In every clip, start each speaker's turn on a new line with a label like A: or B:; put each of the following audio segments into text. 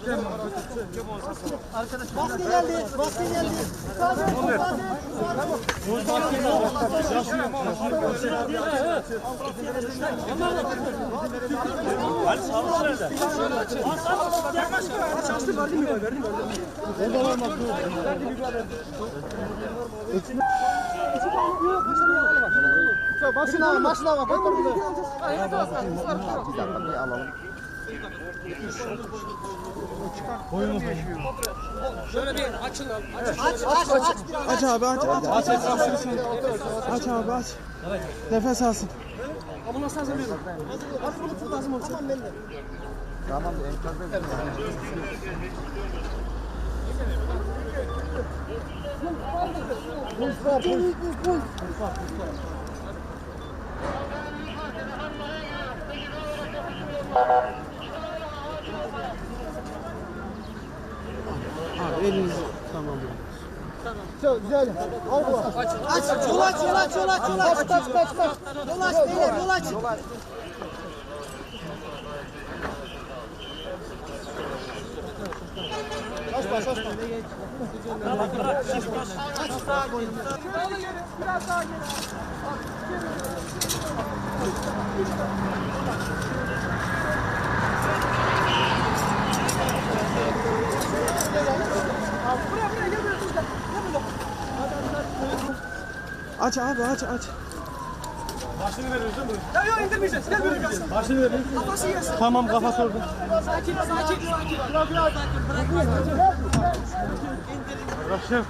A: Baskı geldi. Baskı geldi.
B: Ali sağlık nerede?
C: Çalıştı verdim mi? Verdim.
A: Ondan olmaz. Başına bak. Bir dakika bir alalım.
C: Şöyle bir açın.
D: Aç abi aç. Aç abi aç. Nefes alsın.
C: Ambulans lazım benim. Ambulans lazım olsun. Tamam ben de.
A: Tamam enkazda.
D: Abi elinizi tamam.
A: Çok güzel. Al bu.
E: Aç, yol aç. Yol aç beyler, yol aç.
A: Açma.
C: Biraz daha geri. Buraya gel böyle.
D: Aç abi aç.
B: Başını veriyoruz değil mi?
C: Yok indirmeyeceğiz. Gel böyle gelsin.
B: Başını veriyoruz.
C: Kafası yesin.
D: Tamam kafası orada.
C: Sakin.
B: Başım.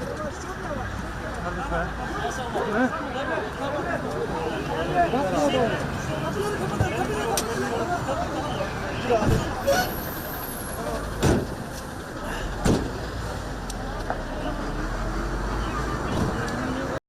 B: Hadi be.